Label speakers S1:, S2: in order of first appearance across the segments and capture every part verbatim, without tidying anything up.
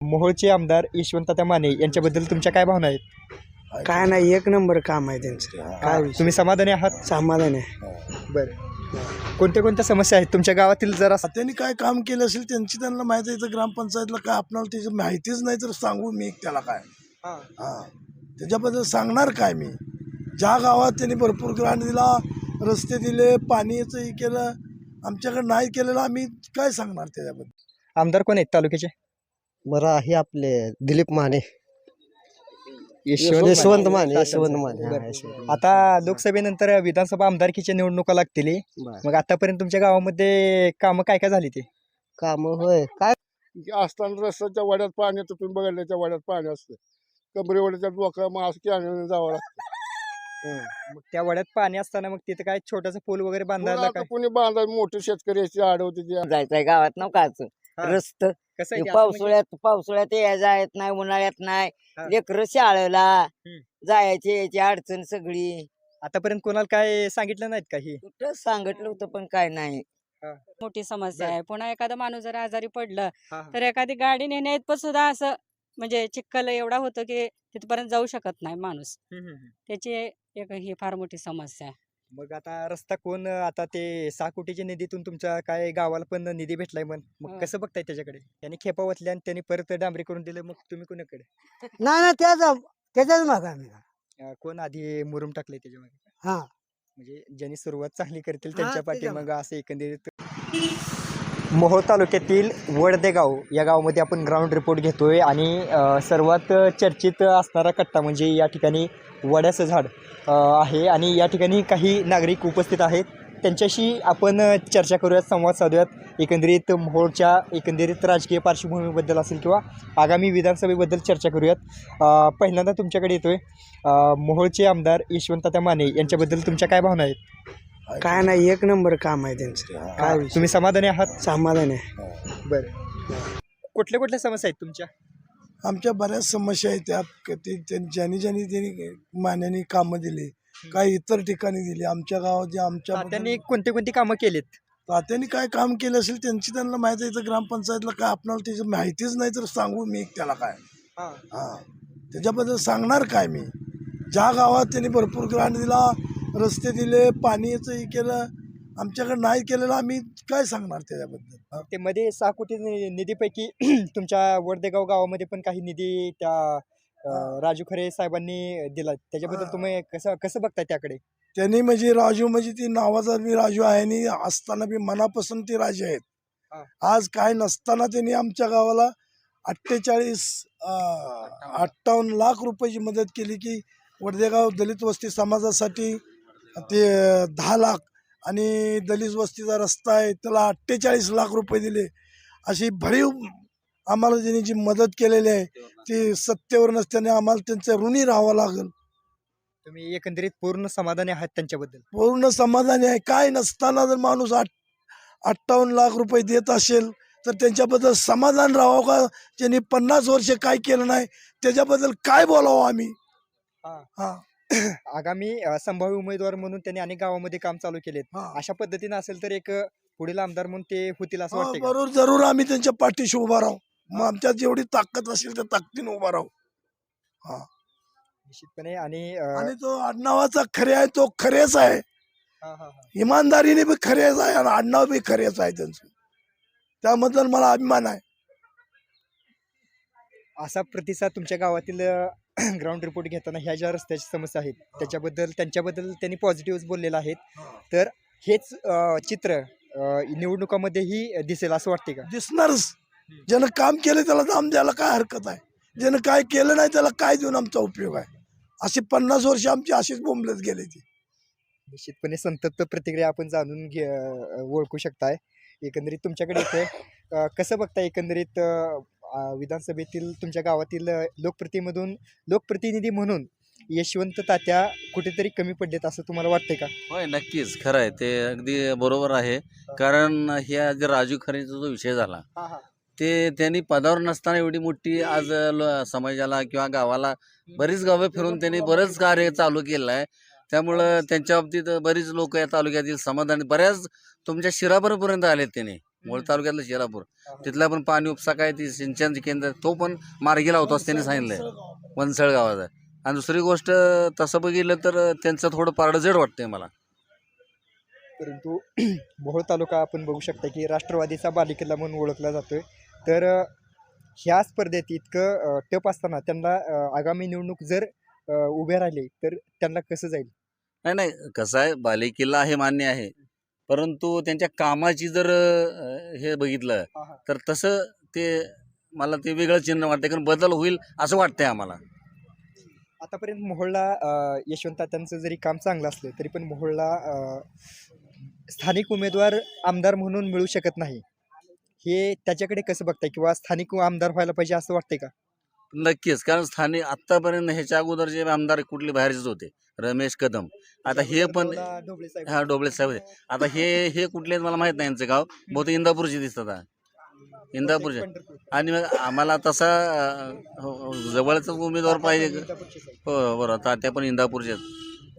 S1: मोहोळचे आमदार यशवंततात्या माने यांच्याबद्दल तुमच्या काय भावना आहेत?
S2: काय नाही, एक नंबर काम आहे त्यांचं. काय विषय?
S1: तुम्ही समाधानी आहात?
S2: समाधान आहे.
S1: बरं, कोणत्या कोणत्या समस्या आहेत तुमच्या गावातील? जरा
S3: त्यांनी काय काम केलं असेल त्यांची त्यांना माहिती आहे. ग्रामपंचायतला काय आपल्याला त्याची माहितीच नाही तर सांगू मी त्याला काय हा त्याच्याबद्दल सांगणार काय मी? ज्या गावात त्यांनी भरपूर ग्रांट दिला, रस्ते दिले, पाणीचं हे केलं, आमच्याकडे नाही केलेलं आम्ही काय सांगणार त्याच्याबद्दल?
S1: आमदार कोण आहेत तालुक्याचे?
S2: बरं आहे आपले दिलीप माने,
S1: यशवंत
S2: यशवंत
S1: माने.
S2: माने, यशवंत माने. हा,
S1: बरं.
S2: यशवंत.
S1: आता लोकसभेनंतर विधानसभा आमदारकीच्या निवडणुका लागतील.
S2: बरं.
S1: मग आतापर्यंत तुमच्या गावामध्ये कामं काय काय झाली? ते
S2: काम होय काय
S4: असताना रस्त्याच्या वाड्यात पाणी येतं, तुम्ही बघितलं त्या वाड्यात पाणी असतं, कमरे वड्याच्या डोक्या मास्क आणून जावं लागतं.
S1: मग त्या वड्यात पाणी असताना मग तिथे काय छोटासा पूल वगैरे बांधायला
S4: आता
S1: काय?
S4: कोणी बांधा, मोठे शेतकरी याची आडवते ती.
S5: जायचंय गावात ना काच
S1: हा.
S5: रस्त
S1: कसं आहे की असं म्हणजे-
S5: पावसाळ्यात पावसाळ्यात यायला येत नाही, उन्हाळ्यात नाही,
S1: हा.
S5: लेकरं शाळेला
S1: हम्म.
S5: जायची यायची अडचण सगळी.
S1: आतापर्यंत कोणाला काय सांगितलं नाहीत काही?
S5: कुठं सांगितलं होतं पण काय नाही.
S6: मोठी समस्या
S1: बर.
S6: आहे. पुन्हा एखादा माणूस जर आजारी पडलं
S1: हा, हा.
S6: तर एखादी गाडी नेण्यात पण सुद्धा असं म्हणजे चिखल एवढा होतो की तिथपर्यंत जाऊ शकत नाही माणूस.
S1: हम्म, हम्म, हम्म.
S6: त्याची एक ही फार मोठी समस्या आहे.
S1: मग आता रस्ता कोण आता ते सहा कोटीच्या निधीतून तुमच्या काय गावाला पण निधी भेटलाय मग मग
S6: हो.
S1: कसं बघताय त्याच्याकडे? त्यांनी खेपा वतल्या आणि त्यांनी परत डांबरी करून दिलं, मग तुम्ही कोणाकडे?
S2: नाही ना, त्याच त्याच्याच माग आम्ही.
S1: अं, कोण आधी मुरुम टाकले त्याच्यामध्ये?
S2: हा
S1: म्हणजे ज्यांनी सुरुवात चांगली करतील
S2: हा,
S1: त्यांच्या
S2: ते
S1: पाठी
S2: जमा.
S1: मग असं एकंदरीत. मोहोळ तालुक्यातील वडदे गाव या गावामध्ये आपण ग्राउंड रिपोर्ट घेतोय आणि अ, सर्वात चर्चित असणारा कट्टा म्हणजे या ठिकाणी वड्याचं झाड अ, आहे आणि या ठिकाणी काही नागरिक उपस्थित आहेत. त्यांच्याशी आपण अ, चर्चा करूयात, संवाद साधूयात. एकंदरीत मोहोळच्या एकंदरीत राजकीय पार्श्वभूमीबद्दल असेल किंवा आगामी विधानसभेबद्दल चर्चा करूयात. अ, पहिल्यांदा तुमच्याकडे येतोय अ, मोहोळचे आमदार यशवंततात्या माने यांच्याबद्दल तुमच्या काय भावना आहेत?
S2: काय नाही, एक नंबर काम आहे त्यांचं. काय विषय?
S1: तुम्ही समाधानी आहात?
S2: समाधान आहे.
S1: बरं, कुठल्या कुठल्या समस्या आहेत तुमच्या?
S3: आमच्या बऱ्याच समस्या आहेत त्या क- ते त्यां- ज्यांनी ज्यांनी त्यांनी मान्याने कामं दिली, काही इतर ठिकाणी दिली. आमच्या गावात जे आमच्या
S1: त्यांनी कोणती कोणती कामं केलीत?
S3: तात्यांनी काय काम केलं असेल त्यांची त्यांना माहिती आहे. ग्रामपंचायतला काय आपल्याला त्याची माहितीच नाही तर सांगू मी त्याला काय हा त्याच्याबद्दल सांगणार काय मी? ज्या गावात त्यांनी भरपूर ग्रांट दिला, रस्ते दिले, पाणीचं हे केलं, आमच्याकडे नाही केलेलं आम्ही काय सांगणार त्याच्याबद्दल? हा.
S1: ते मध्ये सहा कोटी नि- निधीपैकी तुमच्या वडदेगाव गावामध्ये पण काही निधी त्या अं, राजू खरे साहेबांनी दिला, त्याच्याबद्दल
S3: हा.
S1: तुम्ही कसं कसं बघताय त्याकडे?
S3: त्यांनी म्हणजे राजू म्हणजे ती नावाचा बी राजू आहे आणि असताना बी मनापासून ते राजे आहेत.
S1: हा.
S3: आज काय नसताना त्यांनी आमच्या गावाला अठ्ठेचाळीस अठ्ठावन्न लाख रुपयाची मदत केली की वडदेगाव दलित वस्ती समाजासाठी ते दहा लाख आणि दलित वस्तीचा रस्ता आहे त्याला अठ्ठेचाळीस लाख रुपये दिले. अशी भरीव आम्हाला त्यांनी जी मदत केलेली आहे ती सत्तेवर नसल्याने आम्हाला त्यांचं ऋणी राहावं लागेल.
S1: तुम्ही एकंदरीत पूर्ण समाधानी आहात त्यांच्याबद्दल?
S3: पूर्ण समाधानी आहे. काय नसताना जर माणूस आठ अठ्ठावन्न लाख रुपये देत असेल तर त्यांच्याबद्दल समाधान राहावं का? त्यांनी पन्नास वर्ष काय केलं नाही त्याच्याबद्दल काय बोलावं आम्ही?
S1: हा.
S3: हा
S1: आगामी अं, संभाव्य उमेदवार म्हणून त्यांनी अनेक गावामध्ये काम चालू केलेत.
S3: हा.
S1: अशा पद्धतीने असेल तर एक अं, पुढील आमदार म्हणून ते होतील असं
S3: हो,
S1: वाटतं का?
S3: बरोबर, जरूर आम्ही त्यांच्या पाठीशी उभा राहू. मग आमच्यात जेवढी ताकद असेल त्या ताकदीने उभा राहू. हा
S1: निश्चितपणे. आणि अं,
S3: आणि तो आडनावाचा खरे आहे तो खरेच आहे,
S1: हा, हा, हा.
S3: इमानदारीने बी खरेच आहे आणि आडनाव बी खरेच आहे त्यांचं. त्याबद्दल मला अभिमान आहे.
S1: असा प्रतिसाद तुमच्या गावातील ग्राउंड रिपोर्ट घेताना ह्या ज्या रस्त्याची समस्या आहेत त्याच्याबद्दल त्यांच्याबद्दल त्यांनी पॉझिटिव्ह बोललेलं आहेत. तर हेच अं, चित्र अं, निवडणुकामध्येही दिसेल असं वाटते का?
S3: दिसणारच. ज्यानं काम केलं त्याला दाम द्यायला काय हरकत आहे? ज्यानं काय केलं नाही त्याला काय देऊन आमचा उपयोग आहे? अशी पन्नास वर्ष आमची अशीच बोंबलत गेली ती.
S1: निश्चितपणे संतप्त प्रतिक्रिया आपण जाणून घे अं, ओळखू शकताय. एकंदरीत तुमच्याकडे येते अं, कसं बघताय एकंदरीत अं, अं, विधानसभेतील तुमच्या गावातील अं, लोकप्रतिनिधीमधून लोकप्रतिनिधी म्हणून यशवंत तात्या कुठेतरी कमी पडलेत असं तुम्हाला वाटतंय का?
S7: होय, नक्कीच खरं आहे ते, अगदी बरोबर आहे. कारण ह्या जे राजू खरेचा जो विषय झाला ते त्यांनी पदावर नसताना एवढी मोठी आज ल- समाजाला किंवा गावाला बरीच गावं फिरून त्यांनी बरंच कार्य चालू केलं आहे. त्यामुळं त्यांच्या बाबतीत बरीच लोक या तालुक्यातील समाधानी, बऱ्याच तुमच्या शिराभरपर्यंत आलेत त्यांनी. मोहोळ तालुक्यातलं शिरापूर तिथला पण पाणी उपसा काय ती सिंचन केंद्र तो पण मार्गी लावतो असं त्यांनी सांगितलंय वनसळ गावाचा. आणि दुसरी गोष्ट तसं बघितलं तर त्यांचं थोडं पारडं जड वाटतंय मला.
S1: परंतु मोहोळ तालुका आपण बघू शकता की राष्ट्रवादीचा बालेकिल्ला म्हणून ओळखला जातोय. तर अ, ह्या स्पर्धेत इतकं अ, टप असताना त्यांना अ, आगामी निवडणूक जर अ, उभे राहिले तर त्यांना कसं जाईल?
S7: नाही नाही कसं आहे बालेकिल्ला हे मान्य आहे, परंतु त्यांच्या कामाची जर अ, हे बघितलं
S1: हा, हा.
S7: तर तसं ते मला ते वेगळं चिन्ह वाटतं, कारण बदल होईल असं वाटतंय आम्हाला.
S1: आतापर्यंत मोहोळला अ, यशवंत त्यांचं जरी काम चांगलं असलं तरी पण मोहोळला अ, स्थानिक उमेदवार आमदार म्हणून मिळू शकत नाही. हे त्याच्याकडे कसं बघताय किंवा स्थानिक आमदार व्हायला पाहिजे असं वाटतंय का?
S7: नक्कीच, कारण स्थानिक आत्तापर्यंत ह्याच्या अगोदर जे आमदार कुठले बाहेरचेच होते, रमेश कदम, आता हे पण
S1: ढोबळा- ढोबळे साहेब.
S7: हा डोबळे साहेब होते. आता हे हे कुठले आहेत मला माहित नाही यांचं गाव, बहुतेक इंदापूरचे दिसतात हा. इंदापूरचे.
S1: पंढरपूर.
S7: आणि मग आम्हाला तसा अ, हो, हो, जवळचाच उमेदवार पाहिजे.
S1: इंदापूरचे साहेब.
S7: हो बरोबर, तात्या पण इंदापूरचे आहेत.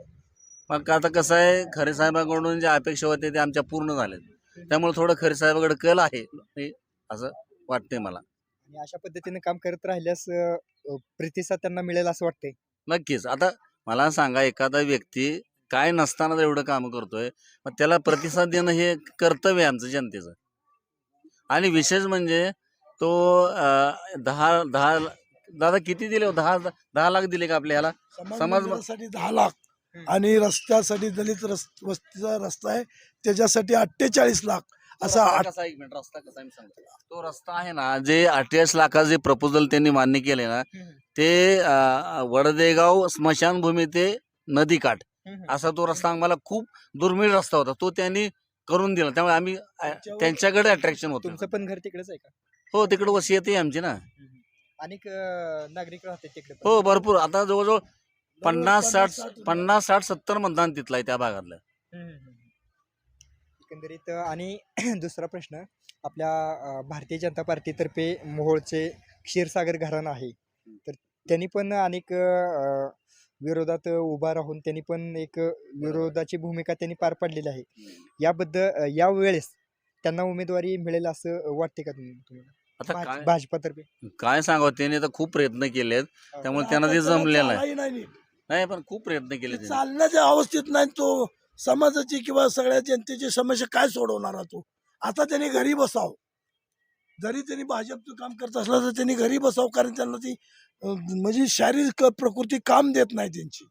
S7: मग आता कसं आहे, खरे साहेबांकडून ज्या अपेक्षा होत्या त्या आमच्या पूर्ण झाल्यात, त्यामुळे थोडं खरे साहेबाकडे कल आहे हे असं वाटतंय मला.
S1: आणि अशा पद्धतीने काम करत राहिल्यास अ, अ, प्रतिसाद त्यांना मिळेल असं वाटतंय.
S7: नक्कीच. आता मला सांगा, एखादा व्यक्ती काय नसताना जर एवढं काम करतोय, मग त्याला प्रतिसाद देणं हे कर्तव्य आहे आमचं जनतेचं. आणि विशेष म्हणजे तो अं, दहा दहा दादा किती दिले हो? दहा दहा लाख दिले का आपल्या ह्याला
S3: समाज
S7: समाज-
S3: मंदिरासाठी दहा लाख आणि रस्त्यासाठी दलित रस वस्तीचा रस्ता आहे त्याच्यासाठी अठ्ठेचाळीस लाख असा
S7: रस्ता
S3: आठ-
S7: कसा आहे? एक मिनिट, रस्ता कसा आहे मी सांगतो. तो रस्ता आहे ना, जे अठ्ठेचाळीस लाखाचं जे प्रपोजल त्यांनी मान्य केले ना, ते अं, वडदेगाव स्मशानभूमी ते नदीकाठ असा तो रस्ता आम्हाला खूप दुर्मिळ रस्ता होता, तो त्यांनी करून दिला. त्यामुळे आम्ही अं, त्यांच्याकडे अट्रॅक्शन होतो.
S1: तुमचं पण घर तिकडेच आहे का?
S7: हो, तिकडे वसियत आहे आमची ना.
S1: अनेक अ, नागरिक राहतात तिकडे पण.
S7: हो भरपूर, आता जवळजवळ पन्नास साठ
S3: साठ-
S7: पन्नास साठ सत्तर मतदान तिथलं आहे त्या भागातलं.
S1: हम्म, हम्म, हम्म. एकंदरीत अ, आणि दुसरा प्रश्न आपल्या अ, भारतीय जनता पार्टीतर्फे मोहोळचे क्षीरसागर घराणं आहे, तर त्यांनी पण अनेक अ, विरोधात उभा राहून त्यांनी पण एक विरोधाची भूमिका त्यांनी पार पाडलेली आहे. याबद्दल अ, या वेळेस त्यांना उमेदवारी मिळेल असं वाटते का तुम्ही तुम्हाला?
S7: आता
S1: भाज-
S7: काय
S1: भाजपातर्फे
S7: काय सांगावं, त्यांनी तर खूप प्रयत्न केलेत, त्यामुळे
S3: पण
S7: त्यांना
S3: आता
S7: ते
S3: त्याला
S7: जमलेलं आहे.
S3: चालाही नाही नीट.
S7: नाही पण खूप प्रयत्न केले
S3: ते
S7: त्यांनी.
S3: चालण्याच्या अवस्थेत नाही तो. समाजाची किंवा सगळ्या जनतेची समस्या काय सोडवणार आहे तो? आता त्यांनी घरी बसाव. जरी त्यांनी भाजपचं काम करत असलं तर त्यांनी घरी बसाव, कारण त्यांना ती अं, म्हणजे शारीरिक प्रकृती काम देत नाही त्यांची.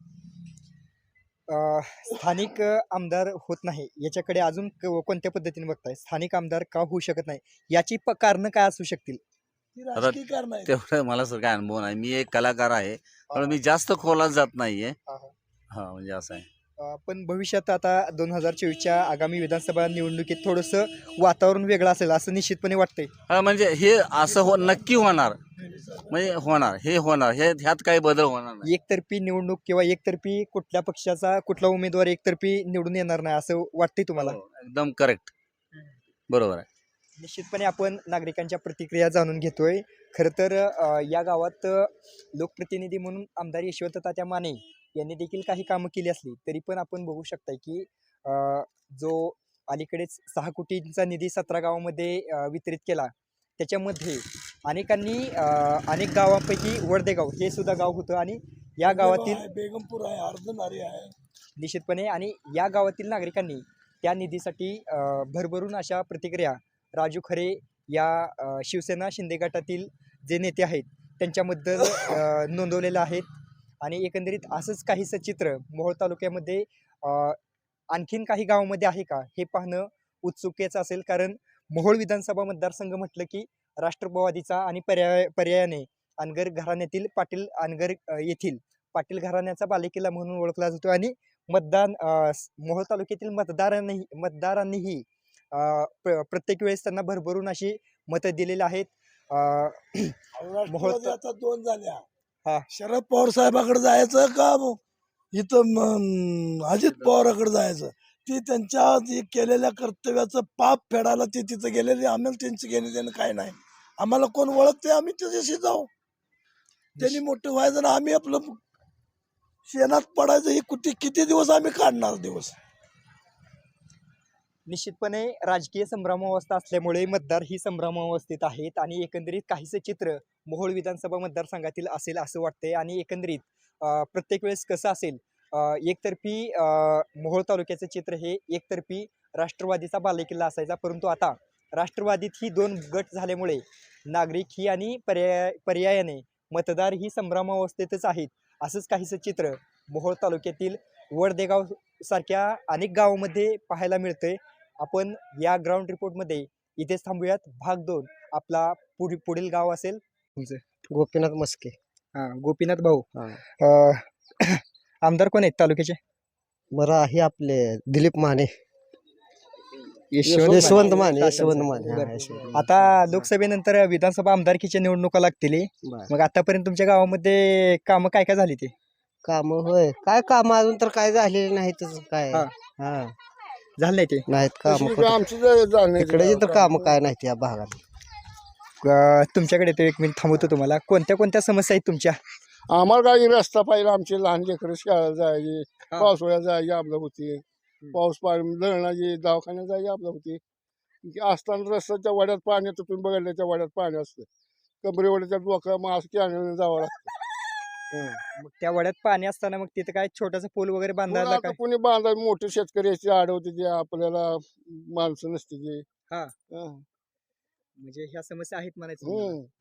S1: अ, स्थानिक अ, आमदार होत नाही याच्याकडे अजून क- कोणत्या पद्धतीने बघताय? स्थानिक आमदार का होऊ शकत नाही याची प कारण काय असू शकतील?
S3: ती राजकीय कारण आहे.
S7: तेवढं मला सर काय अनुभव नाही, मी एक कलाकार आहे, पण मी जास्त खोलात जात नाहीये.
S1: हा, हा.
S7: हा म्हणजे असं आहे.
S1: अ, पण भविष्यात आता दोन हजार चोवीसच्या आगामी विधानसभा निवडणुकीत थोडंसं वातावरण वेगळं असेल असं निश्चितपणे वाटतंय.
S7: हा म्हणजे हे असं हो नक्की होणार, म्हणजे होणार, हे होणार, हे ह्यात काही बदल होणार नाही.
S1: एकतर्फी निवडणूक किंवा एकतर्फी कुठल्या पक्षाचा कुठला उमेदवार एकतर्फी निवडून येणार नाही असं वाटतंय तुम्हाला?
S7: हो, एकदम करेक्ट, बरोबर आहे.
S1: निश्चितपणे आपण नागरिकांच्या प्रतिक्रिया जाणून घेतोय. खरं तर अ, या गावात अ, लोकप्रतिनिधी म्हणून आमदार यशवंत तात्या माने यांनी देखील काही कामं केली असली तरी पण आपण बघू शकताय की अ, जो अलीकडेच सहा कोटींचा निधी सतरा गावामध्ये अ, वितरित केला त्याच्यामध्ये अनेकांनी अ, अनेक गावांपैकी वडदेगाव हे सुद्धा गाव होतं आणि या गावातील
S3: आहे, बेगमपूर आहे, अर्धनारी आहे.
S1: निश्चितपणे आणि या गावातील नागरिकांनी त्या निधीसाठी अ, भरभरून अशा प्रतिक्रिया राजू खरे या अ, शिवसेना शिंदे गटातील जे नेते आहेत त्यांच्याबद्दल अ, नोंदवलेलं आहेत. आणि एकंदरीत असंच काहीसं चित्र मोहोळ तालुक्यामध्ये अ, आणखीन काही गावामध्ये आहे का हे पाहणं उत्सुकतेचं असेल, कारण मोहोळ विधानसभा मतदारसंघ म्हटलं की राष्ट्रवादीचा आणि पर्याय पर्यायाने अनगर घराण्यातील पाटील अनगर अ, येथील पाटील घराण्याचा बालेकिल्ला म्हणून ओळखला जातो. आणि मतदान अ, स- मोहोळ तालुक्यातील मतदारांनी मतदारांनीही अ, प्र- प्रत्येक वेळेस त्यांना भरभरून अशी मतं दिलेली आहेत. अ,
S3: राष्ट्रवादी आता दोन झाल्या.
S1: हा.
S3: शरद पवार साहेबाकडे जायचं का मग इथं म, अजित पवाराकडे जायचं? ती त्यांच्या जे केलेल्या कर्तव्याचं पाप फेडायला ते तिथं गेलेले. आम्हाला त्यांचं घेणे देणं काय नाही. आम्हाला कोण ओळखते आम्ही त्याच्याशी जाऊ. त्यांनी मोठं व्हायचं ना आम्ही आपलं शेणात पडायचं. ही कुठे किती दिवस आम्ही काढणार दिवस?
S1: निश्चितपणे राजकीय संभ्रमावस्था असल्यामुळे मतदार ही संभ्रमावस्थेत आहेत आणि एकंदरीत काहीसं चित्र मोहोळ विधानसभा मतदारसंघातील असेल असं वाटतंय आणि एकंदरीत अ, प्रत्येक वेळेस कसं असेल अ, एकतर्फी अ, मोहोळ तालुक्याचं चित्र हे एकतर्फी राष्ट्रवादीचा बालेकिल्ला असायचा, परंतु आता राष्ट्रवादीत ही दोन गट झाल्यामुळे नागरिक ही आणि पर्याय पर्यायाने मतदार ही संभ्रमावस्थेतच आहेत. असंच काहीसं चित्र मोहोळ तालुक्यातील वडदेगाव सारख्या अनेक गावामध्ये पाहायला मिळतंय. आपण या ग्राउंड रिपोर्टमध्ये इथेच थांबूयात. भाग दोन आपला पुढील पुढील गाव असेल तुमचं.
S2: गोपीनाथ मस्के.
S1: हां, गोपीनाथ भाऊ.
S2: हा.
S1: अ, आमदार कोण आहेत तालुक्याचे?
S2: बरं आहे आपले दिलीप माने.
S1: यशवंत
S2: यशवंत
S1: माने.
S2: माने. यशवंत
S1: बरं.
S2: माने. हा, यशवंत माने.
S1: आता लोकसभेनंतर विधानसभा आमदारकीच्या निवडणुका लागतील.
S2: बरं.
S1: मग आतापर्यंत तुमच्या गावामध्ये कामं काय काय झाली ते?
S2: काम होय काय काम अजून तर काय झालेले नाहीतच काय.
S1: हा.
S2: हा
S1: झालं नाही ते?
S2: नाहीत काम
S4: तशी आमची जर जाण्याची
S2: इकडे तर काम
S4: कामं-
S2: काय नाहीत या भागात.
S1: अ, तुमच्याकडे ते एक मिनिट थांबवतो तुम्हाला. कोणत्या कोणत्या समस्या आहेत तुमच्या?
S4: आम्हाला काही रस्ता पाहिजे. आमचे लहान लेकरं शाळेला जायचे,
S1: हा.
S4: पावसाळ्यात जायचे आपलं होती, पाऊस पाणी धरणाची दवाखान्यात जायचे आपलं होती. असताना रस्त्याच्या वाड्यात पाणी येतं, तुम्ही बघितलं त्या वाड्यात पाणी असतं. कबरेवाड्याच्या डोक्या मग असं कॅनल जावं लागतं. हं.
S1: मग त्या वड्यात पाणी असताना मग तिथं काय छोटासा पूल वगैरे
S4: पुन्हा
S1: बांधायला
S4: आता
S1: काय?
S4: कोणी बांधा मोठे शेतकरी याची अडवते ते आपल्याला माणसं नसते ते.
S1: हा.
S4: हं.
S1: म्हणजे ह्या समस्या आहेत म्हणायचं तुम्हाला.
S4: हं.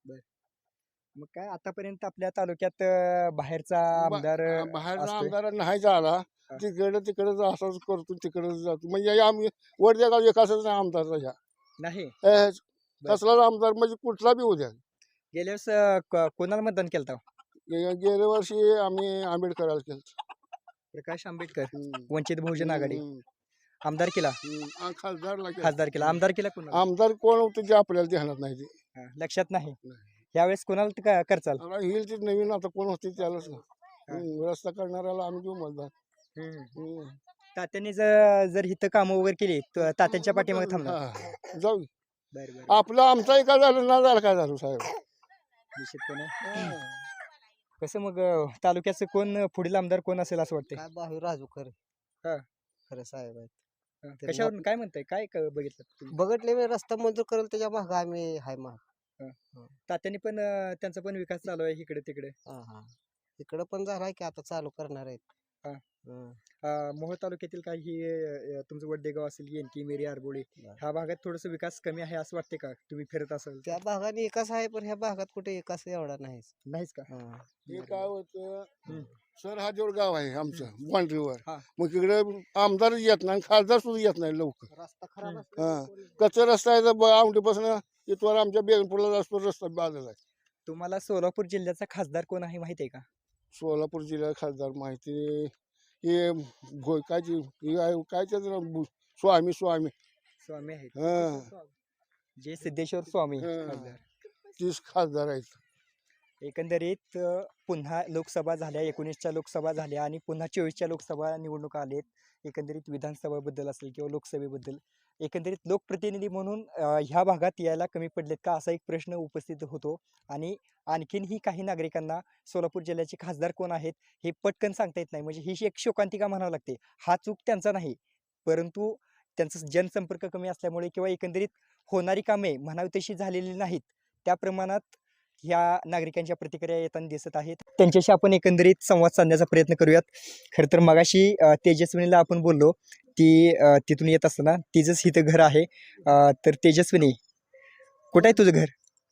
S1: मग काय आतापर्यंत आपल्या तालुक्यात अ, बाहेरचा
S4: बा-
S1: आमदार अ,
S4: बाहेरचा
S1: असतोय?
S4: आमदार नाही झाला
S1: हा.
S4: तिकडं तिकडं असंच करतो तिकडं जातो म्हणजे आम्ही वरच्या गाव एकाच नाही आमदारचा ह्या
S1: नाही.
S4: ए, कसलाच आमदार म्हणजे कुठला बी उद्या
S1: गेल्या वेळेस अ, क- कोणाला मतदान केलं होतं?
S4: गे- गेल्या वर्षी आम्ही आंबेडकराला केलं.
S1: प्रकाश आंबेडकर,
S4: हम्म.
S1: वंचित बहुजन आघाडी.
S4: हम्म.
S1: आमदार केला,
S4: हम्म. आ, खासदारला केलं.
S1: खासदार केला, आमदार केला कोणाला?
S4: आमदार कोण होते ते आपल्याला ध्यानात नाही ते.
S1: हा, लक्षात नाही.
S4: नाही.
S1: यावेळेस कोणाला ते का- करचाल?
S4: आता येईल ते नवीन आता कोण होते त्यालाच ना. हम्म. रस्ता करणाऱ्याला आम्ही देऊ मतदान. हम्म.
S1: तात्यांनी जर जर इथं कामं वगैरे केली तर तात्यांच्या पाठीमागे थांबणार.
S4: हा. जाऊ
S1: बरं बरं
S4: आपलं आमचा एका झालं ना झालं काय झालं साहेब.
S1: निश्चितपणे.
S4: हं.
S1: कसं मग अ, तालुक्याचं कोण अ, पुढील आमदार कोण असेल असं वाटतंय?
S2: काय बाहू राजू खरे.
S1: हा.
S2: खरे साहेब आहेत.
S1: हा,
S2: त्यांनी
S1: कशावरून काय म्हणताय? काय क- बघितलं तुम्ही?
S2: बघितले मी रस्ता मंजूर करेल त्याच्या माग आम्ही हाय माग.
S1: तात्यांनी पण अ, त्यांचा पण विकास चालू आहे इकडे तिकडे.
S2: हा हा इकडं पण झालाय की आता चालू करणार आहेत.
S1: हा.
S2: हं.
S1: अ, मोहोळ तालुक्यातील काही अ, तुमचं वडदेगाव असेल, येनकी, मेरी, आरबोळी
S2: बरं.
S1: ह्या भागात थोडस विकास कमी आहे असं वाटते का? तुम्ही फिरत असाल
S2: त्या भागाने एकाच आहे पण ह्या भागात कुठे एकाच एवढा नाही.
S1: नाहीच का?
S4: हे काय होतं
S1: हम्म.
S4: सरहादेवर गाव आहे आमचं बांड्रीवर.
S1: हा.
S4: मग इकडे आमदार येत नाही खासदार सुद्धा येत नाही लवकर.
S2: रस्ता खराब
S1: हम्म.
S2: असल्यामुळे
S4: कच्चा रस्ता आहे तर आवडीपासून इथवर आमच्या बेगनपूरला असतो रस्ता बाजूला आहे.
S1: तुम्हाला सोलापूर जिल्ह्याचा खासदार कोण आहे माहिती आहे का?
S4: सोलापूर जिल्हा खासदार माहिती हे घो- काय ते- हे आहे, काय त्याचं नाव? बु- स्वामी स्वामी
S1: स्वामी आहेत.
S4: हा.
S1: जे सिद्धेश्वर स्वामी
S4: हं.
S1: खासदार.
S4: तीस खासदार आहेत.
S1: एकंदरीत अ, पुन्हा लोकसभा झाल्या, एकोणीसच्या लोकसभा झाल्या आणि पुन्हा चोवीसच्या लोकसभा निवडणुका आलेत. एकंदरीत विधानसभाबद्दल असेल किंवा लोकसभेबद्दल एकंदरीत लोकप्रतिनिधी म्हणून अ, ह्या भागात यायला कमी पडलेत का असा एक प्रश्न उपस्थित होतो. आणि आणखीनही काही नागरिकांना सोलापूर जिल्ह्याचे खासदार कोण आहेत हे पटकन सांगता येत नाही. म्हणजे ही एक शोकांतिका म्हणावं लागते. हा चूक त्यांचा नाही, परंतु त्यांचा जनसंपर्क कमी असल्यामुळे किंवा एकंदरीत होणारी कामे म्हणावी तशी झालेली नाहीत. त्या प्रमाणात ह्या नागरिकांच्या प्रतिक्रिया येताना दिसत आहेत. त्यांच्याशी आपण एकंदरीत संवाद साधण्याचा प्रयत्न करूयात. खरं तर मगाशी अ, तेजस्विनीला आपण बोललो, ती अ, तिथून येत असताना तिचंच इथं घर आहे. अ, तर तेजस्विनी, कुठं आहे तुझं घर?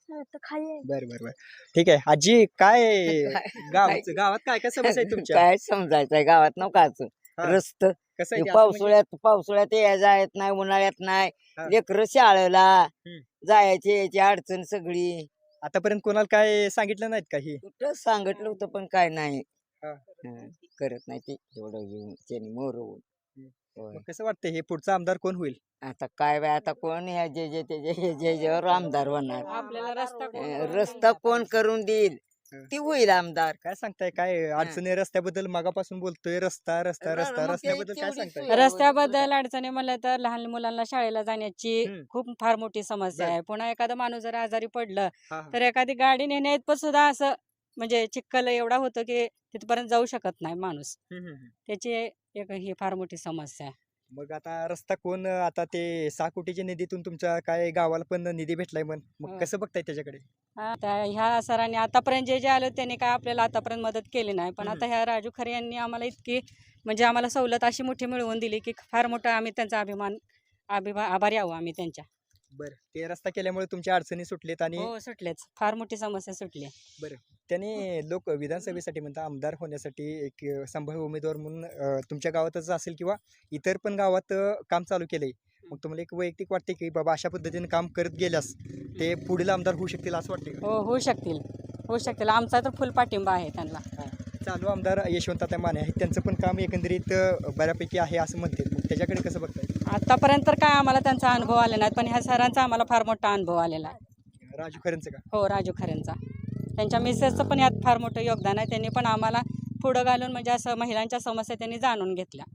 S1: बरं बरं बरं ठीक आहे. आजी काय गावाचं गावात काय काय समस्या आहेत तुमच्या?
S5: काय समजायचंय गावात नकाच
S1: हा.
S5: रस्त
S1: कसं आहे ते असं म्हणजे-
S5: पावसाळ्यात पावसाळ्यात यायला येत नाही, उन्हाळ्यात नाही,
S1: हा.
S5: लेकरं शाळेला
S1: हम्म.
S5: जायची यायची अडचण सगळी.
S1: आतापर्यंत कोणाला काय सांगितलं नाहीत का ही?
S5: कुठं सांगितलं होतं पण काय नाही.
S1: हा.
S5: हं, करत नाही ते एवढं घेऊन त्याने मोरवून.
S1: हम्म.
S5: होय.
S1: मग कसं वाटतं हे पुढचा आमदार कोण होईल?
S5: आता काय बाय आता कोण ह्या जे जे ते जे हे जे जेवर आमदार होणार.
S6: आपल्याला रस्ता कोण
S5: अं,
S6: करून
S5: रस्ता
S6: देईल
S5: कोण
S6: आता?
S5: करून देईल
S1: हं.
S5: ती होईल आमदार.
S1: काय सांगताय? काय अडचणी रस्त्याबद्दल मागापासून बोलतोय, रस्ता रस्ता
S5: रा-
S1: रस्ता
S5: मग ते
S1: रस्त्याबद्दल काय
S5: तेवढी
S1: सांगताय?
S5: सोय-
S6: रस्त्याबद्दल अडचणी म्हणलं तर लहान मुलांना शाळेला जाण्याची
S1: हम्म.
S6: खूप फार मोठी समस्या
S1: बर.
S6: आहे. पुन्हा एखादा माणूस जर आजारी पडलं
S1: हा, हा.
S6: तर एखादी गाडी नेण्यात पण सुद्धा असं म्हणजे चिखल एवढा होतं की तिथपर्यंत जाऊ शकत नाही माणूस.
S1: हम्म, हम्म, हम्म.
S6: त्याची एक ही फार मोठी समस्या आहे.
S1: मग आता रस्ता कोण अं, आता ते सहा कोटीच्या निधीतून तुमच्या काय गावाला पण निधी भेटलाय मग मग
S6: हो.
S1: कसं बघताय त्याच्याकडे?
S6: हा त्या ह्या सरांनी आतापर्यंत जे जे आलं त्यांनी काय आपल्याला आतापर्यंत मदत केली नाही, पण
S1: हम्म.
S6: आता ह्या राजू खरे यांनी आम्हाला इतकी म्हणजे आम्हाला सवलत अशी मोठी मिळवून दिली की फार मोठा आम्ही त्यांचा अभिमान अभिमा आभारी आहो आम्ही त्यांच्या.
S1: बरं, ते रस्ता केल्यामुळे तुमच्या अडचणी सुटलेत आणि
S6: हो सुटलेच, फार मोठी समस्या सुटली.
S1: त्याने लोक विधानसभेसाठी म्हणतात आमदार होण्यासाठी एक अं, संभाव्य उमेदवार म्हणून अं, तुमच्या गावातच असेल किंवा इतर पण गावात अं, काम चालू केलंय. मग तुम्हाला एक वैयक्तिक वाटते की बाबा अशा पद्धतीने काम करत गेल्यास ते पुढील आमदार होऊ शकतील असं वाटते का?
S6: हो होऊ शकतील, होऊ शकतील. आमचा तर फुल पाठिंबा आहे त्यांना.
S1: चालू आमदार यशवंतराव माने आहेत त्यांचं पण काम एकंदरीत अं, बऱ्यापैकी आहे असं म्हणते. मग त्याच्याकडे कसं बघताय?
S6: आतापर्यंत तर काय आम्हाला त्यांचा अनुभव आला नाही, पण ह्या सरांचा आम्हाला फार मोठा अनुभव आलेला आहे.
S1: राजू खरेंचं का?
S6: हो राजू खरेंचा, त्यांच्या मिसेसचं पण यात फार मोठं योगदान आहे. त्यांनी पण आम्हाला पुढं घालून म्हणजे असं महिलांच्या समस्या त्यांनी जाणून घेतल्या.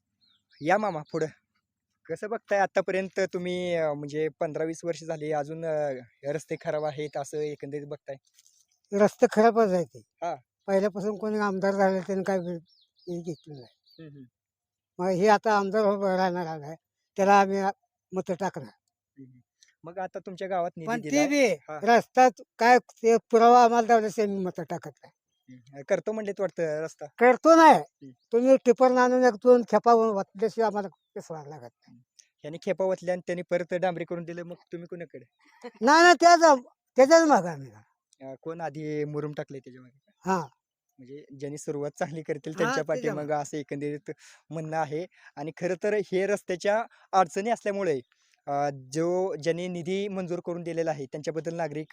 S1: या मामा पुढं कसं बघताय आतापर्यंत तुम्ही अं, म्हणजे पंधरा वीस वर्ष झाली अजून अं, रस्ते खराब आहेत असं एकंदरीत बघताय?
S2: रस्ते खराबच आहे ते.
S1: हा.
S2: पहिल्यापासून कोणी आमदार झाले त्यांनी काय हे घेतलं नाही.
S1: हम्म, हम्म,
S2: मग हे आता आमदार उभं राहणार आहे त्याला आम्ही मत टाकणार.
S1: हम्म. मग आता तुमच्या गावात निधी
S2: पण ते
S1: दिलाय.
S2: बी
S1: हा.
S2: रस्त्यात काय ते पुरावा आम्हाला दावल्यास आम्ही मत टाकत नाही.
S1: हम्म. करतो म्हणलेत वाटतं रस्ता.
S2: करतो नाही तुम्ही टिपर आणून एक दोन खेपा वाटल्याशिवाय आम्हाला पेसवायला लागत नाही.
S1: यांनी खेपा वतल्या आणि त्यांनी परत डांबरी करून दिलं मग तुम्ही कोणाकडे?
S2: नाही ना त्याच त्याच्याच माग आम्ही
S1: अं, कोण आधी मुरुम टाकले त्याच्या मागे?
S2: हा
S1: म्हणजे ज्यांनी सुरुवात चांगली करतील
S2: हा,
S1: त्यांच्या
S2: त्याच्या
S1: पाठीमागं असं एकंदरीत म्हणणं आहे. आणि खरं तर हे रस्त्याच्या अडचणी असल्यामुळे अं, जो ज्यांनी निधी मंजूर करून दिलेला आहे त्यांच्याबद्दल नागरिक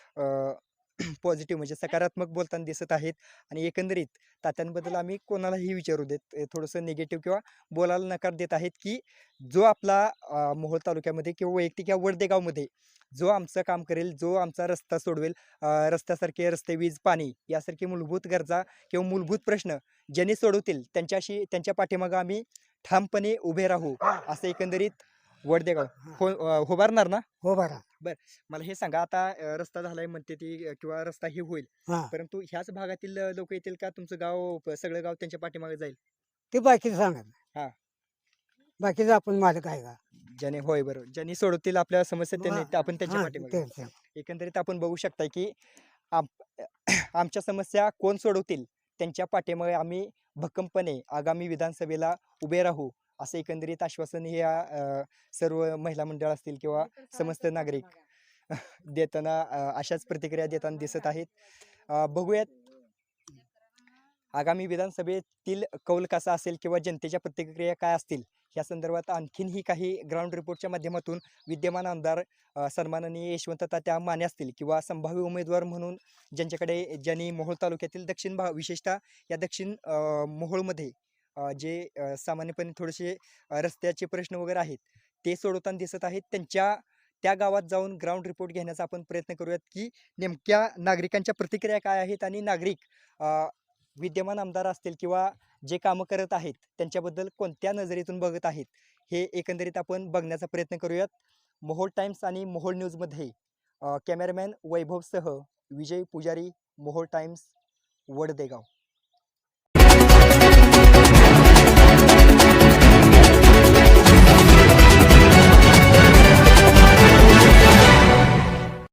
S1: पॉझिटिव्ह म्हणजे सकारात्मक बोलताना दिसत आहेत. आणि एकंदरीत तात्यांबद्दल आम्ही कोणालाही विचारू देत अं, थोडंसं निगेटिव्ह किंवा बोलायला नकार देत आहेत की जो आपला अं, मोहोळ तालुक्यामध्ये किंवा वैयक्तिक या वडदेगावमध्ये जो आमचं काम करेल, जो आमचा रस्ता सोडवेल, अं, रस्त्यासारखे रस्ते, वीज, पाणी यासारखे मूलभूत गरजा किंवा मूलभूत प्रश्न ज्यांनी सोडवतील त्यांच्याशी त्यांच्या पाठीमागं आम्ही ठामपणे उभे राहू असं एकंदरीत वडदेगाव हो अं, उभारणार ना?
S2: हो बरा.
S1: मला हे सांगा आता अं, रस्ता झालाय म्हणते ती अं, किंवा रस्ता हे होईल
S2: हा
S1: परंतु ह्याच भागातील लोक येतील का तुमचं गाव प- सगळं गाव त्यांच्या पाठीमागे जाईल?
S2: ते बाकीचं सांगत
S1: हा.
S2: नाही. बाकीचं आपण मालक आहे का?
S1: ज्याने होय बरोबर ज्यांनी सोडवतील आपल्या समस्या त्यांनी
S2: हा,
S1: आपण त्यांच्या
S2: हा,
S1: पाठीमागे.
S2: तेच आहे.
S1: एकंदरीत आपण बघू शकता की आम- आमच्या समस्या कोण सोडवतील त्यांच्या पाठीमागे आम्ही भक्कमपणे आगामी विधानसभेला उभे राहू असं एकंदरीत आश्वासन हे अं, सर्व महिला मंडळ असतील किंवा समस्त नागरिक देताना अं, अशाच प्रतिक्रिया देताना दिसत आहेत. अं, बघूयात आगामी विधानसभेतील कौल कसा असेल किंवा जनतेच्या प्रतिक्रिया काय असतील या संदर्भात आणखीनही काही ग्राउंड रिपोर्टच्या माध्यमातून विद्यमान आमदार अ, सन्माननीय यशवंत तात्या माने असतील किंवा संभाव्य उमेदवार म्हणून ज्यांच्याकडे ज्यांनी मोहोळ तालुक्यातील दक्षिण भाग विशेषतः या दक्षिण अ, मोहोळमध्ये अ, जे अ, सामान्यपणे थोडेसे अ, रस्त्याचे प्रश्न वगैरे आहेत ते सोडवताना दिसत आहेत त्यांच्या त्या गावात जाऊन ग्राउंड रिपोर्ट घेण्याचा आपण प्रयत्न करूयात की नेमक्या नागरिकांच्या प्रतिक्रिया काय आहेत आणि नागरिक अ, विद्यमान आमदार असतील किंवा जे कामं करत आहेत त्यांच्याबद्दल कोणत्या नजरेतून बघत आहेत हे एकंदरीत आपण बघण्याचा प्रयत्न करूयात. मोहोळ टाइम्स आणि मोहोळ न्यूजमध्ये अ, कॅमेरामॅन वैभवसह विजय पुजारी, मोहोळ टाइम्स, वडदेगाव.